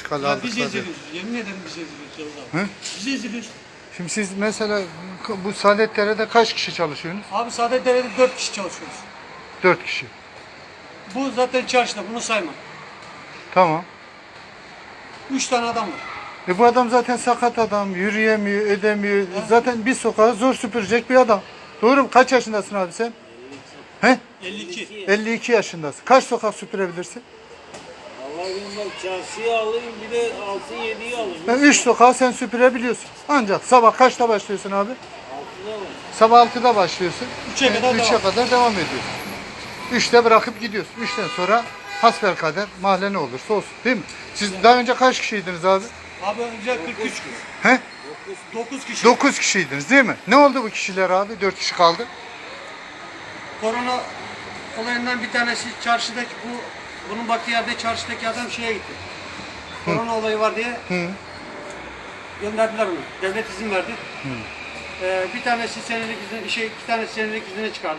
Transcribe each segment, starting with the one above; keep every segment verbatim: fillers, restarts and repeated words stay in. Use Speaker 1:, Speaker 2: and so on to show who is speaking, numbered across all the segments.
Speaker 1: çıkalı
Speaker 2: Ya
Speaker 1: aldık.
Speaker 2: biz
Speaker 1: zaten.
Speaker 2: eziliyoruz. Yemin ederim biz eziliyoruz Yavuz abi.
Speaker 1: Hı?
Speaker 2: Biz eziliyoruz.
Speaker 1: Şimdi siz mesela bu Saadetdere'de kaç kişi çalışıyorsunuz?
Speaker 2: Abi Saadetdere'de dört kişi çalışıyoruz.
Speaker 1: Dört kişi.
Speaker 2: Bu zaten çarşıda, bunu sayma.
Speaker 1: Tamam.
Speaker 2: Üç tane adam var.
Speaker 1: E bu adam zaten sakat adam, yürüyemiyor, edemiyor. Zaten bir sokağı zor süpürecek bir adam. Doğru mu? Kaç yaşındasın abi sen? He?
Speaker 2: elli iki.
Speaker 1: elli iki yaşındasın. Kaç sokak süpürebilirsin?
Speaker 3: Allah bilmem çarşıyı alayım bir de altı yediyi alayım.
Speaker 1: Yani üç sokağı sen süpürebiliyorsun. Ancak sabah kaçta başlıyorsun abi?
Speaker 3: Altıda var.
Speaker 1: Sabah altıda başlıyorsun.
Speaker 2: Üçe kadar
Speaker 1: üçe
Speaker 2: devam.
Speaker 1: kadar devam ediyorsun. Üçte bırakıp gidiyorsun. Üçten sonra hasbelkader mahalle ne olursa olsun. Değil mi? Siz daha önce kaç kişiydiniz abi?
Speaker 2: Abi önce kırk üç kişi.
Speaker 1: He?
Speaker 2: dokuz kişi.
Speaker 1: Dokuz kişiydiniz değil mi? Ne oldu bu kişiler abi? Dört kişi kaldı.
Speaker 2: Korona olayından bir tanesi çarşıdaki bu bunun baktığı yerde çarşıdaki adam şeye gitti. Korona olayı var diye
Speaker 1: Hı.
Speaker 2: gönderdiler onu. Devlet izin verdi. Ee, bir tanesi senelik izin, şey iki tanesi senelik izine çıkardı.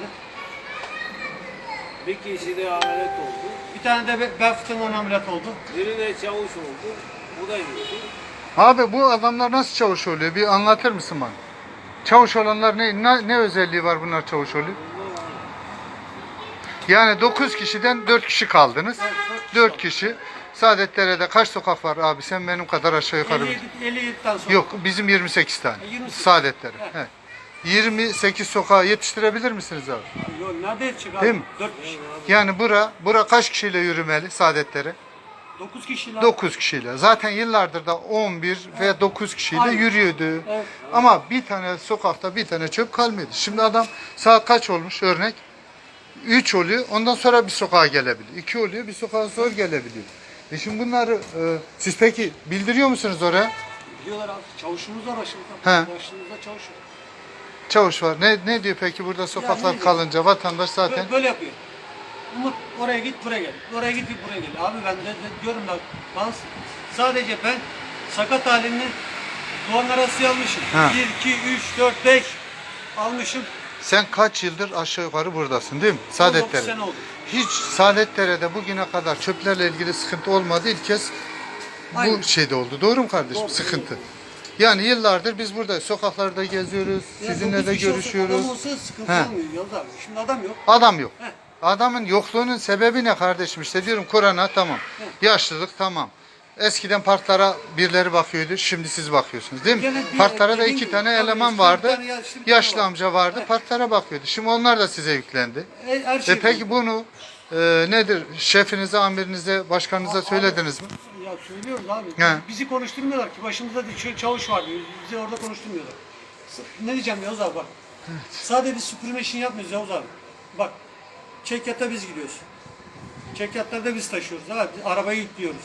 Speaker 3: Bir kişi de ameliyat oldu.
Speaker 2: Bir tane de be- bel fıtığından ameliyat oldu.
Speaker 3: Biri de çavuş oldu. Bu da gitti.
Speaker 1: Abi bu adamlar nasıl çavuş oluyor? Bir anlatır mısın bana? Çavuş olanlar ne, ne, ne özelliği var bunlar çavuş oluyor? Yani dokuz kişiden dört kişi kaldınız. dört kişi. Saadetdere'de kaç sokak var abi? Sen benim kadar aşağı yukarı bil.
Speaker 2: elli yediden sonra.
Speaker 1: Yok bizim yirmi sekiz tane.
Speaker 2: yirmi sekiz.
Speaker 1: Saadetlere.
Speaker 2: Evet.
Speaker 1: Evet. yirmi sekiz sokağı yetiştirebilir misiniz abi?
Speaker 2: Yok nerede yetecek abi?
Speaker 1: Değil mi?
Speaker 2: dört kişi.
Speaker 1: Yani bura, bura kaç kişiyle yürümeli Saadetlere?
Speaker 2: dokuz kişiler.
Speaker 1: dokuz kişiyle. Zaten yıllardır da on bir ve dokuz kişiyle
Speaker 2: Aynen.
Speaker 1: yürüyordu.
Speaker 2: Evet.
Speaker 1: Ama bir tane sokakta bir tane çöp kalmıyordu. Şimdi adam saat kaç olmuş örnek? üç oluyor. Ondan sonra bir sokağa gelebiliyor. iki oluyor. Bir sokağa zor gelebiliyor. E şimdi bunları e, siz peki bildiriyor musunuz oraya?
Speaker 2: Diyorlar abi çavuşumuz var başımızda.
Speaker 1: He.
Speaker 2: Başımızda çavuş var.
Speaker 1: Çavuş var. Ne ne diyor peki burada sokaklar
Speaker 2: ne diyor?
Speaker 1: kalınca vatandaş zaten
Speaker 2: Böyle, böyle yapıyor. Umut oraya git buraya gel. Oraya git buraya gel. Abi ben de, de diyorum da ben sadece ben sakat halini Doğan arası almışım.
Speaker 1: Ha.
Speaker 2: bir, iki, üç, dört, beş almışım.
Speaker 1: sen kaç yıldır aşağı yukarı buradasın değil mi?
Speaker 2: on dokuz
Speaker 1: Saadetdere.
Speaker 2: sene oldu.
Speaker 1: Hiç Saadetdere'de bugüne kadar çöplerle ilgili sıkıntı olmadı. İlk kez bu
Speaker 2: Aynen.
Speaker 1: şeyde oldu. Doğru mu kardeşim?
Speaker 2: Doğru.
Speaker 1: Sıkıntı. Yani yıllardır biz burada sokaklarda geziyoruz.
Speaker 2: Ya
Speaker 1: Sizinle
Speaker 2: dokuz
Speaker 1: de
Speaker 2: kişi olsa,
Speaker 1: görüşüyoruz.
Speaker 2: Adam olsa sıkıntı
Speaker 1: He.
Speaker 2: olmuyor Yavuz abi. Şimdi adam yok.
Speaker 1: Adam yok.
Speaker 2: Heh.
Speaker 1: Adamın yokluğunun sebebi ne kardeşim? İşte diyorum korona tamam. Yaşlılık tamam. Eskiden parklara birileri bakıyordu. Şimdi siz bakıyorsunuz değil mi?
Speaker 2: Gene bir-
Speaker 1: Parklara da
Speaker 2: dediğim
Speaker 1: iki
Speaker 2: gibi,
Speaker 1: tane
Speaker 2: tabii
Speaker 1: eleman
Speaker 2: bir
Speaker 1: vardı.
Speaker 2: tane yaşlı bir tane
Speaker 1: Yaşlı
Speaker 2: var.
Speaker 1: amca vardı. Parklara bakıyordu. Şimdi onlar da size yüklendi.
Speaker 2: E, her şey
Speaker 1: E peki bunu e, nedir? Şefinize, amirinize, başkanınıza söylediniz mi?
Speaker 2: Ya söylüyoruz abi.
Speaker 1: He.
Speaker 2: Bizi konuşturmuyorlar ki. Başımızda bir çavuş var diyor. Bizi orada konuşturmuyorlar. S- Ne diyeceğim Yavuz abi bak. Sadece biz süpürme işini yapmıyoruz Yavuz abi. Bak. Çekyata biz gidiyoruz. Çekyatları da biz taşıyoruz. Abi. Arabayı yüklüyoruz.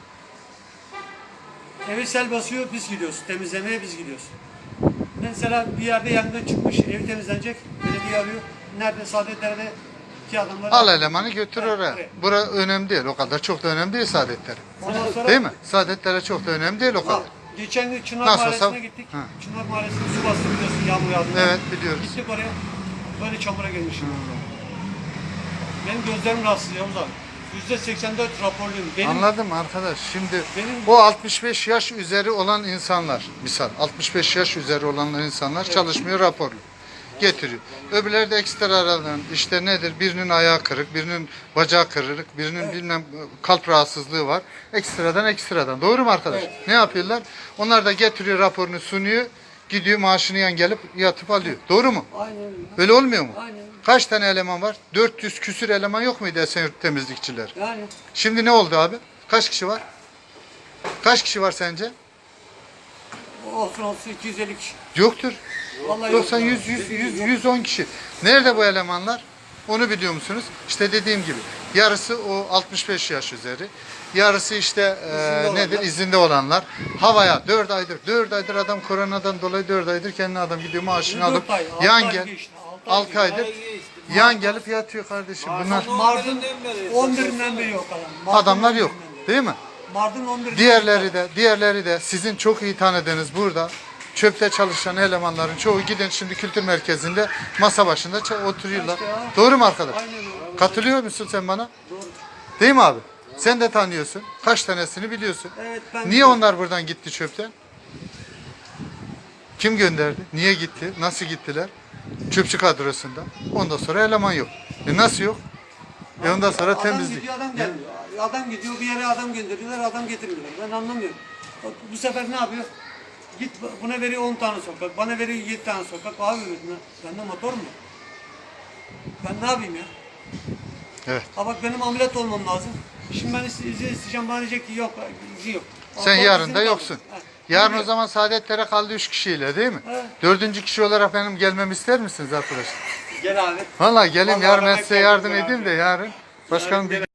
Speaker 2: Eve sel basıyor biz gidiyoruz. Temizlemeye biz gidiyoruz. Mesela bir yerde yangın çıkmış. Evi temizlenecek. Belediye arıyor. Nerede? Saadetler'de iki adamlar.
Speaker 1: Al elemanı götür
Speaker 2: Evet,
Speaker 1: oraya.
Speaker 2: evet.
Speaker 1: Bura önemli değil. O kadar çok da önemli değil Saadetleri.
Speaker 2: Ondan sonra
Speaker 1: Değil mi? Saadetlere çok da önemli değil o
Speaker 2: Al.
Speaker 1: kadar.
Speaker 2: Geçen gün Çınar
Speaker 1: Nasıl
Speaker 2: Mahallesi'ne
Speaker 1: olsa-
Speaker 2: gittik.
Speaker 1: Ha.
Speaker 2: Çınar Mahallesi'ne su bastı biliyorsun yağmur yağdı.
Speaker 1: Evet biliyoruz.
Speaker 2: Gittik oraya. Böyle çamura girmişim. Benim gözlerim rahatsız Yavuz abi. yüzde seksen dört raporluyum. Benim
Speaker 1: Anladım arkadaş. Şimdi
Speaker 2: Benim-
Speaker 1: o altmış beş yaş üzeri olan insanlar, misal altmış beş yaş üzeri olan insanlar çalışmıyor raporlu. Getiriyor. Öbürleri de ekstralardan işte nedir? Birinin ayağı kırık, birinin bacağı kırık, birinin bilmem kalp rahatsızlığı var. Ekstradan ekstradan. Doğru mu arkadaş?
Speaker 2: Evet.
Speaker 1: Ne yapıyorlar? Onlar da getiriyor raporunu sunuyor. Gidiyor maaşını yan gelip yatıp alıyor. Doğru mu?
Speaker 2: aynen öyle.
Speaker 1: Öyle olmuyor mu?
Speaker 2: Aynen.
Speaker 1: Kaç tane eleman var? dört yüz küsür eleman yok muydu Esenyurt temizlikçiler?
Speaker 2: Yani
Speaker 1: Şimdi ne oldu abi? Kaç kişi var? Kaç kişi var sence?
Speaker 2: olsun olsun iki yüz elli kişi.
Speaker 1: Yoktur.
Speaker 2: Vallahi yok
Speaker 1: doksan,
Speaker 2: ya.
Speaker 1: yüz, yüz, yüz, yüz on kişi. Nerede bu elemanlar? Onu biliyor musunuz? İşte dediğim gibi. Yarısı o altmış beş yaş üzeri. Yarısı işte e,
Speaker 2: İzinde
Speaker 1: nedir?
Speaker 2: olanlar.
Speaker 1: İzinde olanlar. Havaya dört aydır. dört aydır adam koronadan dolayı dört aydır kendi adam gidiyor maaşını
Speaker 2: Dört
Speaker 1: alıp
Speaker 2: ay, altı
Speaker 1: yan
Speaker 2: ay
Speaker 1: gel.
Speaker 2: geçti, altı ay
Speaker 1: altı
Speaker 2: geçti.
Speaker 1: aydır yan gelip yatıyor kardeşim. Bunlar
Speaker 2: Mardin on birinden beri yok adam. Mardin
Speaker 1: adamlar yok.
Speaker 2: on birinden beri.
Speaker 1: Değil mi?
Speaker 2: Mardin on birinden
Speaker 1: Diğerleri de, diğerleri de sizin çok iyi tanıdığınız burada çöpte çalışan elemanların çoğu gidin şimdi kültür merkezinde masa başında ça- oturuyorlar.
Speaker 2: İşte ya.
Speaker 1: Doğru mu arkadaş?
Speaker 2: Aynen öyle.
Speaker 1: Katılıyor musun sen bana?
Speaker 2: Doğru.
Speaker 1: Değil mi abi? Sen de tanıyorsun. Kaç tanesini biliyorsun.
Speaker 2: Evet, ben
Speaker 1: Niye onlar buradan gitti çöpten? Kim gönderdi? Niye gitti? Nasıl gittiler? Çöpçü kadrosunda. Ondan sonra eleman yok. E nasıl yok? E ondan sonra
Speaker 2: Adam
Speaker 1: temizlik.
Speaker 2: gidiyor, adam gelmiyor. Adam gidiyor, bir yere adam gönderiyorlar, adam getirmiyorlar. Ben anlamıyorum. Bak, bu sefer ne yapıyor? Git buna veriyor on tane sokak, bana veriyor yedi tane sokak. Abi bende motor mu? Ben ne yapayım ya?
Speaker 1: Evet.
Speaker 2: Ha bak benim ameliyat olmam lazım. Şimdi ben izin isteyeceğim, bana diyecek ki yok, izin yok.
Speaker 1: Sen
Speaker 2: Ama
Speaker 1: yarın
Speaker 2: izin
Speaker 1: da
Speaker 2: kaldı.
Speaker 1: yoksun.
Speaker 2: Ha,
Speaker 1: Yarın o
Speaker 2: biliyor.
Speaker 1: zaman Saadetlere kaldı üç kişiyle değil mi?
Speaker 2: Evet.
Speaker 1: Dördüncü kişi olarak benim gelmemi ister misiniz arkadaşlar?
Speaker 2: Gel abi.
Speaker 1: Vallahi gelin
Speaker 2: Vallahi
Speaker 1: yarın ben
Speaker 2: bana
Speaker 1: size
Speaker 2: geldim
Speaker 1: yardım
Speaker 2: abi.
Speaker 1: edeyim de yarın. Başkanım bir